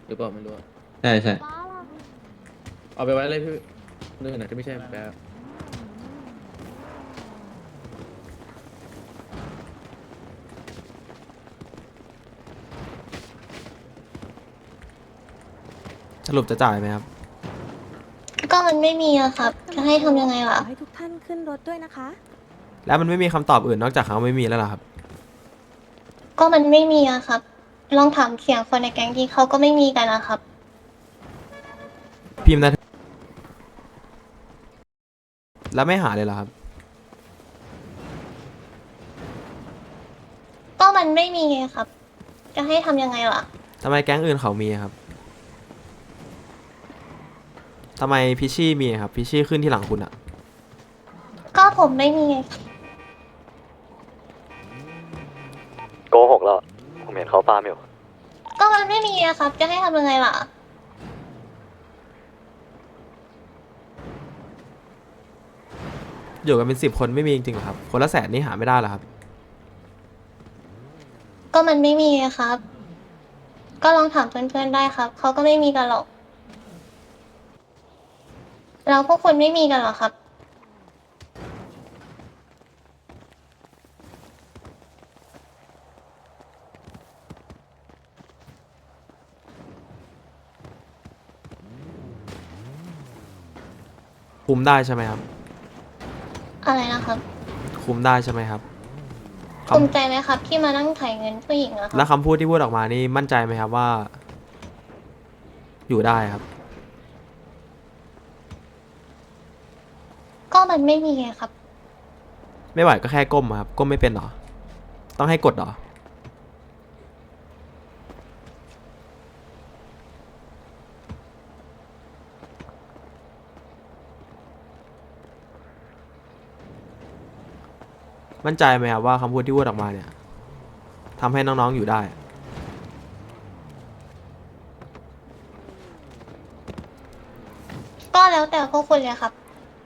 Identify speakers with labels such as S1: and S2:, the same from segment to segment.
S1: รือเปล่าไม่รู้อะ
S2: ใช่ใช่
S1: เอาไปไว้เลยพี่เรื่องไหนที่ไม่ใช่แป๊บ
S3: สรุปจะจ่ายไหมครับ
S4: ก็มันไม่มีอะครับ จะให้ทำยังไง
S5: ข
S4: ล่ะ
S5: อให้ทุกท่านขึ้นรถด้วยนะคะ
S3: แล้วมันไม่มีคำตอบอื่นนอกจากเขาไม่มีแล้วเหรอครับ
S4: ก็มันไม่มีอะครับ ลองถามเสียงคนในแก๊งที่เขาก็ไม่มีกันนะครับ
S3: พิมพ์นะแล้วไม่หาเลยเหรอครับ
S4: ก็มันไม่มีไงครับ จะให้ทำยังไงล่ะ
S3: ทำไมแก๊งอื่นเขามีครับทำไมพิชชี่มีครับพิชชี่ขึ้นที่หลังคุณอะ
S4: ก็ผมไม่มีไง
S6: โกหกแล้ว ผมเห็นเขาฟาร์มอยู่
S4: ก็มันไม่มีอะครับ จะให้ทำยังไงล่ะ
S3: อยู่กันเป็น10 คนไม่มีจริงๆเหรอครับคนละ100,000นี่หาไม่ได้เหรอครับ
S4: ก็มันไม่มีไงครับ ก็ลองถามเพื่อนๆได้ครับ เขาก็ไม่มีกันหรอก แล้วพวกคุณไม่มีกันเหรอครับ
S3: คุมได้ใช่ไหมครับ
S4: อะไรนะครับ
S3: คุมได้ใช่ไหมครับค
S4: ภูมิใจไหมครับ ที่มานั่งถ่ายเงินผู้หญิงอะค
S3: ำแล้
S4: รับ
S3: วคำพูดที่พูดออกมานี่มั่นใจไหมครับว่า อยู่ได้ครับ
S4: ก็มันไม่มีไงครับ
S3: ไม่ไหวก็แค่ก้มอะครับก้มไม่เป็นเหรอต้องให้กดเหรอมั่นใจไหมครับว่าคำพูดที่พูดออกมาเนี่ยทำให้น้องๆอยู่ได้
S4: ก็แล้วแต่พวกคุณเลยครับ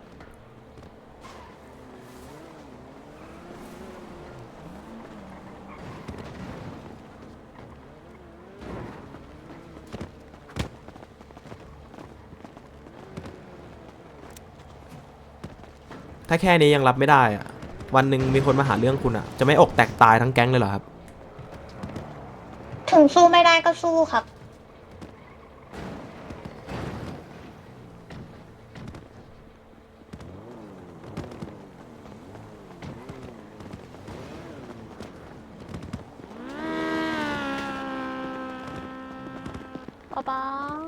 S3: ถ้าแค่นี้ยังรับไม่ได้อะวันหนึ่งมีคนมาหาเรื่องคุณอะจะไม่อกแตกตายทั้งแก๊งเลยเหรอครับ
S4: ถึงสู้ไม่ได้ก็สู้ครับ
S7: ป๊า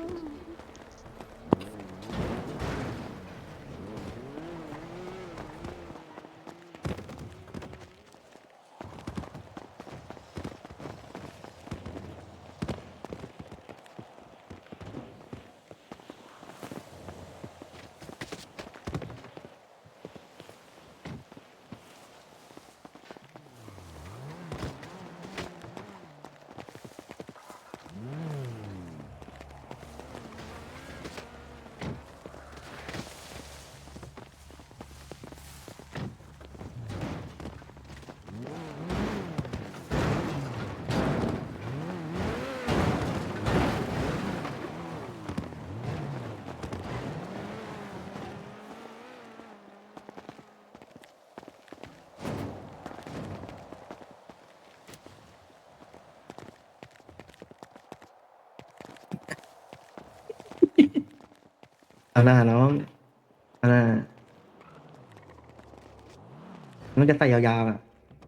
S2: เอาหน้าน้องเอาหน้ามันจะใส่ยาวๆอ่ะ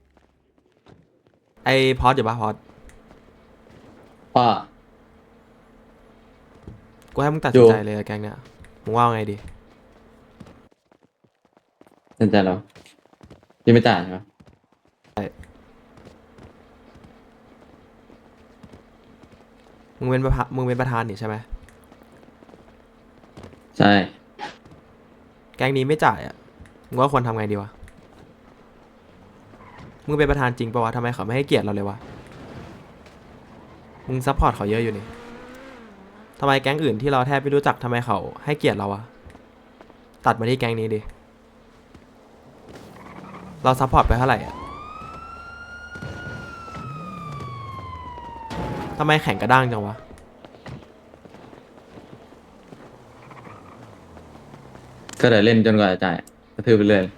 S3: ไอพอดอยู่ปะพอด
S2: ว่า
S3: กูให้มึงตัดสินใจเลยอะแก๊งเนี่ยมึงว่าไงดี
S2: สนใจเรายังไม่จ่ายใช่ไหม
S3: มึงเป็นประธานนี่ใช่ไหม
S2: ใช่
S3: แก๊งนี้ไม่จ่ายอ่ะมึงว่าควรทำไงดีวะมึงเป็นประธานจริงปะวะทำไมเขาไม่ให้เกียรติเราเลยวะมึงซัพพอร์ตเขาเยอะอยู่นี่ทำไมแก๊งอื่นที่เราแทบไม่รู้จักทำไมเขาให้เกียรติเราอะตัดมาที่แก๊งนี้ดิเราซัพพอร์ตไปเท่าไหร่อะทำไมแข่งกระด้างจังวะ
S2: ก็เดี๋ยวเล่นจนกว่าจะจ่ายกระทืบไปเรื่อย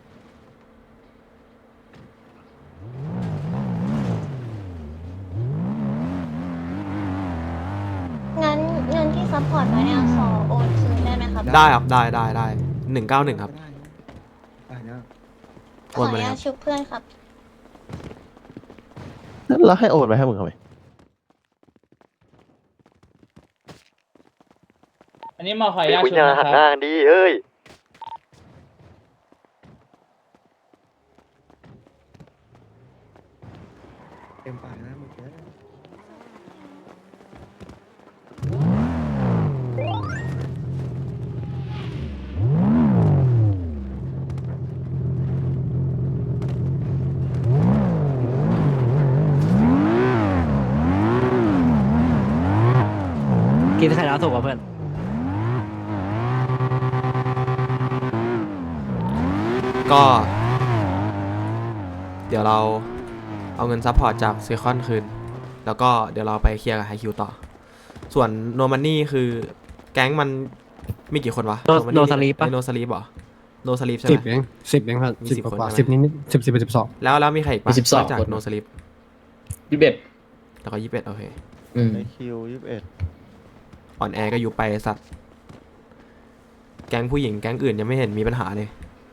S4: งั้นเงินที่ซัพพอร์ตไว้เนี่ยขอโอนคืนได้ไหมครับ
S3: ได้ครับได้191ครับ
S4: ขออนุญาตชุบเพื่อนครับ
S8: แล้วให้โอนไปให้มึงทำไม
S9: อันนี้มาขออนุญาต
S6: คุณ
S9: ชุด
S6: อย่า
S9: นะค
S6: หัน
S9: รับ
S6: หน้ากันดีเฮ้ย
S8: เต็มปากนะมึงเย
S9: กินไข่ดาวสุกกับเพื่อน
S3: ก็ เดี๋ยวเราเอาเงินซัพพอร์ตจากซีคอนคืน แล้วก็เดี๋ยวเราไปเคลียร์กับไฮคิวต่อ ส่วนโนมันนี่คือแก๊งมันมีกี่คนวะ
S9: โนสลีปปะ
S3: โนสลีปเหรอโนสลีปใช่ไหม
S10: 10 ครับ
S3: มี
S10: 10
S3: 10
S10: กว่า
S3: คน
S10: 10 นิดๆ10 11 12
S3: แล้วมีใครอีกปะ
S1: มี12
S3: นอกจาก
S1: คน
S3: โนสลีป
S1: 21
S3: แล้วก็21โอเค
S1: อืม
S8: ไอคิว21
S3: อ่อนแอก็อยู่ไปไอ้สัตว์ แก๊งผู้หญิงแก๊งอื่นยังไม่เห็นมีปัญหาเลย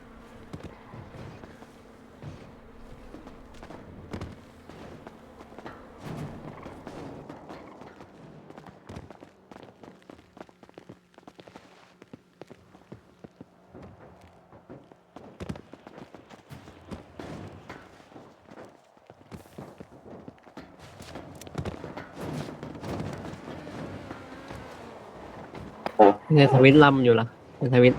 S9: ในทวิตลำอยู่ละในทวิต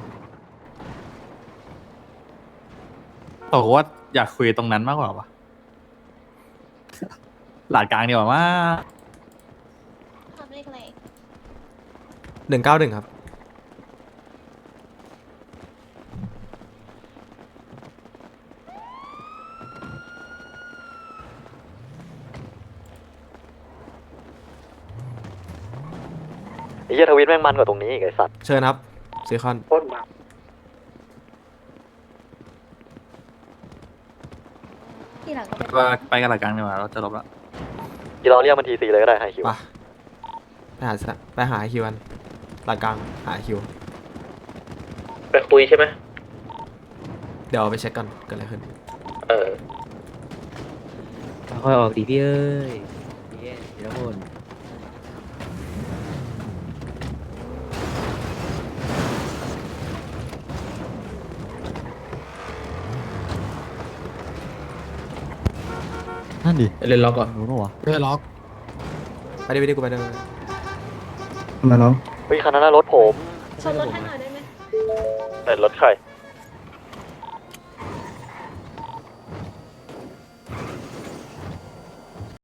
S6: โอ้ว่าอยากคุยตรงนั้นมากกว่าวะหลาดกลางดีกว่าว่า
S4: ครับเลขอะไร
S3: 191ครับ
S6: ไอ้เหี้ยทวิตแม่งมันกว่าตรงนี้อีกไอ้สัตว์
S3: เชิญครับซีคอน
S4: ที่หลังก็เป็น
S6: ไปกันหลาดกลางดีกว่าเราจะลบละที่เราเรียกมันทีซีเลยก็ได้ไฮคิว
S3: ไปหาไอคิวกันหลักกลางหาไอคิว
S1: ไปคุยใช่ไหม
S3: เดี๋ยวเอาไปเช็คก่อนเกิดอะไรขึ้น
S1: เออ
S9: ค่อยออกดีพี่เอ้ยเย้เดี๋ยวคน
S8: นั่นดิ
S1: เล่นล็อกก่อน
S8: รู้ปะวะ
S10: ไม่ได้ล็อก
S3: ไปดิกูไปเดิน
S8: มาน้อง
S6: เฮ้ยคันนั้นนะรถผม
S4: ชนรถให้หน่อยได้ไหม
S6: แต่รถใคร